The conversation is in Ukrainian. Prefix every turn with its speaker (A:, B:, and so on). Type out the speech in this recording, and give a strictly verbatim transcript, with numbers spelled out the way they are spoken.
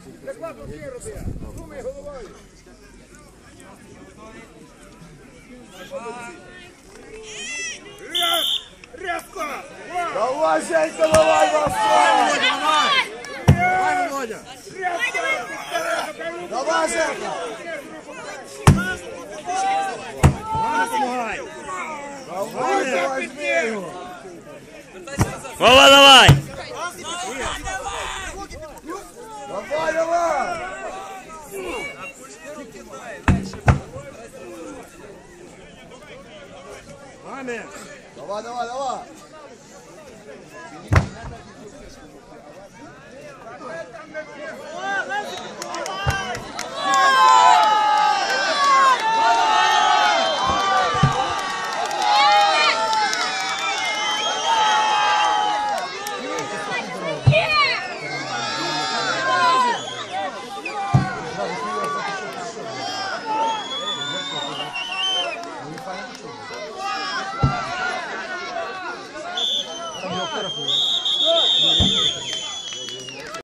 A: Закладу всі роби. Думай головою. Раз! Резко!
B: Давай, Женька, давай, Вася!
C: Давай, Володя!
B: Давай, Женька!
C: Помагай!
B: Давай, давай, змію!
D: Вова, давай!
B: Давай, давай!
C: Маме!
B: Давай, давай, давай!
C: Там його фотографує.